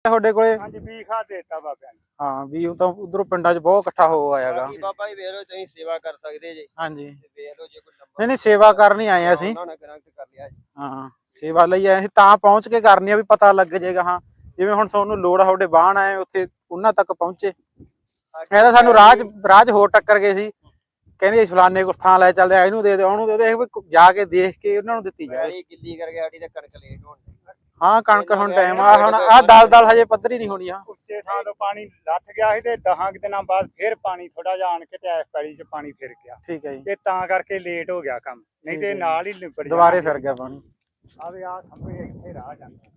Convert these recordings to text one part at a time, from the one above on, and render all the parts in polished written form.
ਤੁਹਾਡੇ ਕੋਲੇ? ਹਾਂਜੀ ਵੀ ਖਾ ਦੇਤਾ ਬਾਬਿਆਂ ਨੇ। ਹਾਂ ਵੀ ਉਹ ਤਾਂ ਉਧਰੋਂ ਪਿੰਡਾਂ 'ਚ ਬਹੁਤ ਇਕੱਠਾ ਹੋ ਆਇਆਗਾ। ਬਾਬਾ ਜੀ ਵੇਖ ਲਓ ਤੁਸੀਂ ਸੇਵਾ ਕਰ ਸਕਦੇ ਜੇ। ਹਾਂਜੀ ਵੇਖ ਲਓ ਜੇ ਕੋਈ ਨਹੀਂ ਨਹੀਂ ਸੇਵਾ ਕਰਨੀ ਆਏ ਅਸੀਂ। ਉਹਨਾਂ ਨਾਲ ਕਨੈਕਟ ਕਰ ਲਿਆ ਜੀ। ਹਾਂ ਸੇਵਾ ਲਈ ਆਏ ਅਸੀਂ ਤਾਂ ਪਹੁੰਚ ਕੇ ਕਰਨੀ ਆ ਵੀ ਪਤਾ ਲੱਗ ਜਾਏਗਾ। ਹਾਂ ਜਿਵੇਂ ਹੁਣ ਤੁਹਾਨੂੰ ਲੋੜ ਆ ਤੁਹਾਡੇ ਬਾਹਣ ਆਏ ਉੱਥੇ ਉਹਨਾਂ ਤੱਕ ਪਹੁੰਚੇ। ਇਹ ਤਾਂ ਸਾਨੂੰ ਰਾਜ ਹੋਰ ਟੱਕਰ ਗਏ ਸੀ, ਕਹਿੰਦੇ ਫਲਾਨੇ ਕੋ ਥਾਂ ਲੈ ਚੱਲਦੇ ਇਹਨੂੰ ਦੇ ਦੇ ਉਹਨੂੰ ਦੇ ਦੇ, ਜਾ ਕੇ ਦੇਖ ਕੇ ਉਹਨਾਂ ਨੂੰ ਦਿੱਤੀ ਜਾਵੇ। ਗਿੱਲੀ ਕਰਕੇ ਸਾਡੀ ਤਾਂ ਕਣਕ ਲੇਟ ਹੋਣ। ਹਾਂ ਕਣਕ ਹੁਣ ਟਾਈਮ ਆ, ਹੁਣ ਆਹ ਦਲ ਹਜੇ ਪੱਧਰੀ ਨਹੀਂ ਹੋਣੀ ਆ। ਉੱਚੇ ਥਾਂ ਤੋਂ ਪਾਣੀ ਲੱਥ ਗਿਆ ਸੀ ਤੇ 10 ਦਿਨਾਂ ਬਾਅਦ ਫਿਰ ਪਾਣੀ ਥੋੜਾ ਜਿਹਾ ਆਣ ਕੇ ਤੇ ਇਸ ਪੈਲੀ 'ਚ ਪਾਣੀ ਫਿਰ ਗਿਆ। ਠੀਕ ਹੈ ਜੀ। ਤੇ ਤਾਂ ਕਰਕੇ ਲੇਟ ਹੋ ਗਿਆ ਕੰਮ, ਨਹੀਂ ਤੇ ਨਾਲ ਹੀ ਨਿਬੜ ਦੁਬਾਰੇ ਫਿਰ ਗਿਆ ਪਾਣੀ। ਆਵੇ ਆ ਖੰਭੇ ਇੱਥੇ ਰਾਹ ਜਾਂਦਾ।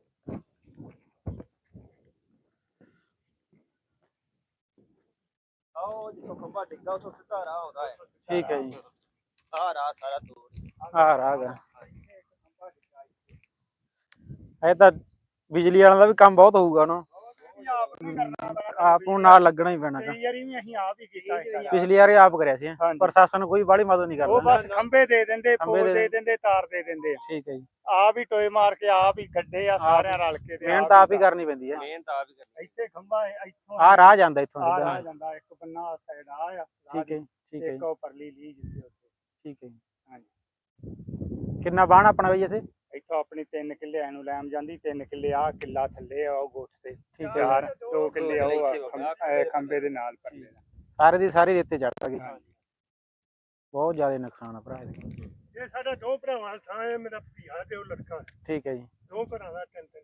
ਆਓ ਜਿੱਥੋਂ ਖੰਭਾ ਡਿੱਗਾ ਉੱਥੋਂ ਸਿੱਧਾ ਰਾਹ ਆਉਂਦਾ ਹੈ। ਠੀਕ ਹੈ ਜੀ। ਆਹ ਰਾਹ ਸਾਰਾ ਤੋੜ ਆਹ ਰਾਹ ਗਾ। ਇਹ ਤਾਂ ਬਿਜਲੀ ਵਾਲਿਆਂ ਦਾ ਵੀ ਕੰਮ ਬਹੁਤ ਹੋਊਗਾ ਨਾ, ਆਪ ਨੂੰ ਨਾਲ ਲੱਗਣਾ ਹੀ ਪੈਣਾ। ਕਈ ਵਾਰੀ ਵੀ ਅਸੀਂ ਆਪ ਹੀ ਕੀਤਾ। ਪਿਛਲੀ ਵਾਰ ਆਪ ਕਰਿਆ ਸੀ, ਪ੍ਰਸ਼ਾਸਨ ਕੋਈ ਬਾਹਲੀ ਮਦਦ ਨਹੀਂ ਕਰਦਾ। ਉਹ ਬਸ ਖੰਭੇ ਦੇ ਦਿੰਦੇ, ਪੋਲ ਦੇ ਦਿੰਦੇ, ਤਾਰ ਦੇ ਦਿੰਦੇ। ਠੀਕ ਹੈ ਜੀ। ਆਪ ਹੀ ਟੋਏ ਮਾਰ ਕੇ ਆਪ ਹੀ ਗੱਡੇ ਆ ਸਾਰਿਆਂ ਰਲ ਕੇ। ਮਿਹਨਤ ਆਪ ਹੀ ਕਰਨੀ ਪੈਂਦੀ ਹੈ। ਮਿਹਨਤ ਆਪ ਹੀ ਕਰਨੀ। ਇੱਥੇ ਖੰਭਾ ਇੱਥੋਂ ਆਹ ਰਾਹ ਜਾਂਦਾ ਇੱਥੋਂ ਆਹ ਸਿੱਧਾ। ਰਾਹ ਜਾਂਦਾ, ਇੱਕ ਬੰਨਾ ਸਾਈਡ ਆ। ਠੀਕ ਹੈ ਠੀਕ ਹੈ ਇੱਕ ਉਹ ਪਰਲੀ ਲੀ ਜਿੱਥੇ ਉੱਥੇ। ਠੀਕ ਹੈ ਜੀ। ਹਾਂਜੀ ਕਿੰਨਾ ਬਾਣ ਆਪਣਾ ਬਈ ਇੱਥੇ? ਇੱਥੋਂ ਆਪਣੀ 3 ਕਿੱਲੇ ਐਨੂੰ ਲੈਮ ਜਾਂਦੀ, 3 ਕਿੱਲੇ ਆ ਕਿੱਲਾ ਥੱਲੇ ਆ ਉਹ ਗੋਠ ਤੇ। ਠੀਕ ਹੈ। 2 ਕਿੱਲੇ ਉਹ ਖੰਭੇ ਦੇ ਨਾਲ ਪਰਲੇ ਦਾ। ਸਾਰੇ ਦੀ ਸਾਰੀ ਰੇਤੇ ਚੜ ਗਈ। ਬਹੁਤ ਜ਼ਿਆਦਾ ਨੁਕਸਾਨ ਆ ਭਰਾ ਇਹਦਾ। ਇਹ ਸਾਡਾ 2 ਭਰਾਵਾਂ ਦਾ ਥਾਂ ਹੈ, ਮੇਰਾ ਭੀਆ ਤੇ ਉਹ ਲੜਕਾ। ਠੀਕ ਹੈ ਜੀ। 2 ਘਰਾਂ ਦਾ 3-3।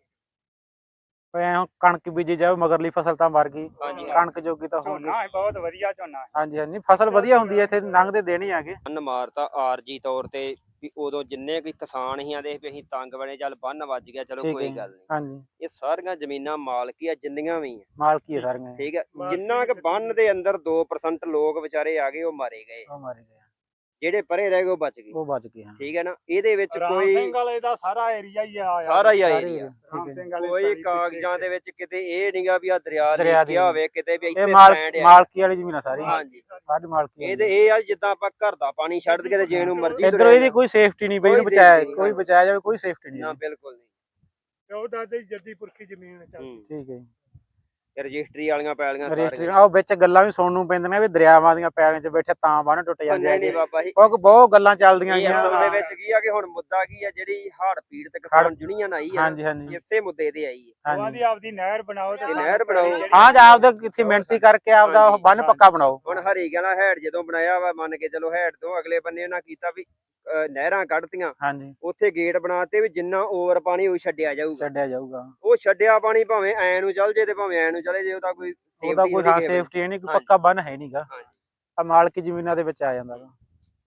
ਕਣਕ ਬੀਜੀ ਜਾਵੇ ਮਗਰਲੀ ਫਸਲ ਤਾਂ ਮਰ ਗਈ, ਕਣਕ ਜੋਗੀ ਤਾਂ ਹੋ ਗਈ। ਝੋਨਾ ਬਹੁਤ ਵਧੀਆ ਝੋਨਾ। ਹਾਂਜੀ ਹਾਂਜੀ ਫਸਲ ਵਧੀਆ ਹੁੰਦੀ ਹੈ ਇੱਥੇ, ਲੰਘਦੇ ਦਿਨ ਹੀ ਆਗੇ। ਬੰਨ ਮਾਰਤਾ ਆਰਜੀ ਤੌਰ ਤੇ ਵੀ ਉਦੋਂ ਜਿੰਨੇ ਕੋਈ ਕਿਸਾਨ ਹੀ ਆਦੇ ਵੀ ਅਸੀਂ ਤੰਗ ਬਣੇ, ਚੱਲ ਬੰਨ ਵੱਜ ਗਿਆ ਚਲੋ ਕੋਈ ਗੱਲ ਨਹੀਂ। ਹਾਂਜੀ ਇਹ ਸਾਰੀਆਂ ਜ਼ਮੀਨਾਂ ਮਾਲਕੀ ਆ ਜਿੰਨੀਆਂ ਵੀ ਆ, ਮਾਲਕੀ ਹੈ ਸਾਰੀਆਂ। ਠੀਕ ਹੈ। ਜਿੰਨਾ ਕਿ ਬੰਨ ਦੇ ਅੰਦਰ 2% ਲੋਕ ਵਿਚਾਰੇ ਆ ਗਏ ਉਹ ਮਾਰੇ ਗਏ, ਜਿਹੜੇ ਪਰੇ ਰਹਿ ਗਏ ਉਹ ਬਚ ਗਏ। ਉਹ ਬਚ ਗਏ। ਠੀਕ ਹੈ ਨਾ। ਇਹਦੇ ਵਿੱਚ ਰਾਮ ਕੋਈ ਸਿੰਘ ਵਾਲੇ ਦਾ ਸਾਰਾ ਏਰੀਆ ਹੀ ਆ, ਸਾਰਾ ਹੀ ਏਰੀਆ ਕੋਈ ਕਾਗਜ਼ਾਂ ਦੇ ਵਿੱਚ ਕਿਤੇ ਇਹ ਨਹੀਂਗਾ ਵੀ ਆ ਦਰਿਆ ਲਿਖਿਆ ਹੋਵੇ ਕਿਤੇ ਵੀ ਇੱਥੇ ਮਾਲਕੀ ਵਾਲੀ ਜ਼ਮੀਨ ਆ ਸਾਰੀ। ਹਾਂਜੀ ਸਾਰੀ ਮਾਲਕੀ। ਇਹਦੇ ਇਹ ਆ ਜਿੱਦਾਂ ਆਪਾਂ ਘਰ ਦਾ ਪਾਣੀ ਛੱਡ ਕੇ ਤੇ ਜੇ ਨੂੰ ਮਰਜ਼ੀ ਇਧਰੋਂ ਇਹਦੀ ਕੋਈ ਸੇਫਟੀ ਨਹੀਂ ਬਈ, ਇਹਨੂੰ ਬਚਾਇਆ ਕੋਈ ਬਚਾਇਆ ਜਾਵੇ, ਕੋਈ ਸੇਫਟੀ ਨਹੀਂ। ਨਾ ਬਿਲਕੁਲ ਨਹੀਂ। ਉਹ ਦਾਦੇ ਜੱਦੀ ਪੁਰਖੀ ਜ਼ਮੀਨ ਚੱਲਦੀ। ਠੀਕ ਹੈ। ਰਜਿਸਟਰੀ ਵਾਲੀਆਂ ਪੈਲੀਆਂ ਰਜਿਸਟਰੀ ਉਹ ਵਿੱਚ ਗੱਲਾਂ ਵੀ ਸੁਣਨ ਨੂੰ ਪੈਂਦੀਆਂ ਵੀ ਦਰਿਆਵਾਂ ਦੀਆਂ ਪੈਲੀਆਂ 'ਚ ਬੈਠੇ ਤਾਂ ਬੰਨ ਟੁੱਟ ਜਾਂਦੇ ਆ। ਨਹੀਂ ਬਾਬਾ ਜੀ, ਬਹੁਤ ਗੱਲਾਂ ਚੱਲਦੀਆਂ ਗਈਆਂ। ਅਸਲ ਦੇ ਵਿੱਚ ਕੀ ਆ ਕਿ ਹੁਣ ਮੁੱਦਾ ਕੀ ਆ, ਜਿਹੜੀ ਹੜ੍ਹ ਪੀੜਤ ਕਿਸਾਨ ਯੂਨੀਅਨ ਆਈ ਆ, ਹਾਂਜੀ ਹਾਂਜੀ ਇਸੇ ਮੁੱਦੇ ਤੇ ਆਈ ਹੈ। ਉਹਨਾਂ ਦੀ ਆਪਦੀ ਨਹਿਰ ਬਣਾਓ ਤੇ ਨਹਿਰ ਬਣਾਓ। ਹਾਂ ਜਾਂ ਆਪਦਾ ਕਿੱਥੇ ਮਿਹਨਤੀ ਕਰਕੇ ਆਪਦਾ ਉਹ ਬੰਨ ਪੱਕਾ ਬਣਾਓ। ਹੁਣ ਹਰੀ ਗਾਲਾ ਹੈਡ ਜਦੋਂ ਬਣਾਇਆ ਵਾ, ਮੰਨ ਕੇ ਚਲੋ ਹੈਡ ਤੋਂ ਅਗਲੇ ਬੰਨੇ ਉਹਨਾਂ ਕੀਤਾ ਵੀ ਨਹਿਰਾਂ ਕੱਢਤੀਆਂ, ਹਾਂਜੀ ਉੱਥੇ ਗੇਟ ਬਣਾਤੇ ਵੀ ਜਿੰਨਾ ਓਵਰ ਪਾਣੀ ਉਹ ਛੱਡਿਆ ਜਾਊਗਾ। ਉਹ ਛੱਡਿਆ ਪਾਣੀ ਭਾਵੇਂ ਐ ਨੂੰ ਚੱਲ ਜੇ ਤੇ ਭਾਵੇਂ ਐ ਨੂੰ ਚਲੇ ਜੇ, ਉਹਦਾ ਕੋਈ ਸੇਫਟੀ ਨਹੀਂ, ਕੋਈ ਪੱਕਾ ਬੰਨ ਹੈ ਨਹੀਂਗਾ। ਮਾਲਕੀ ਜ਼ਮੀਨਾਂ ਦੇ ਵਿੱਚ ਆ ਜਾਂਦਾ ਵਾ।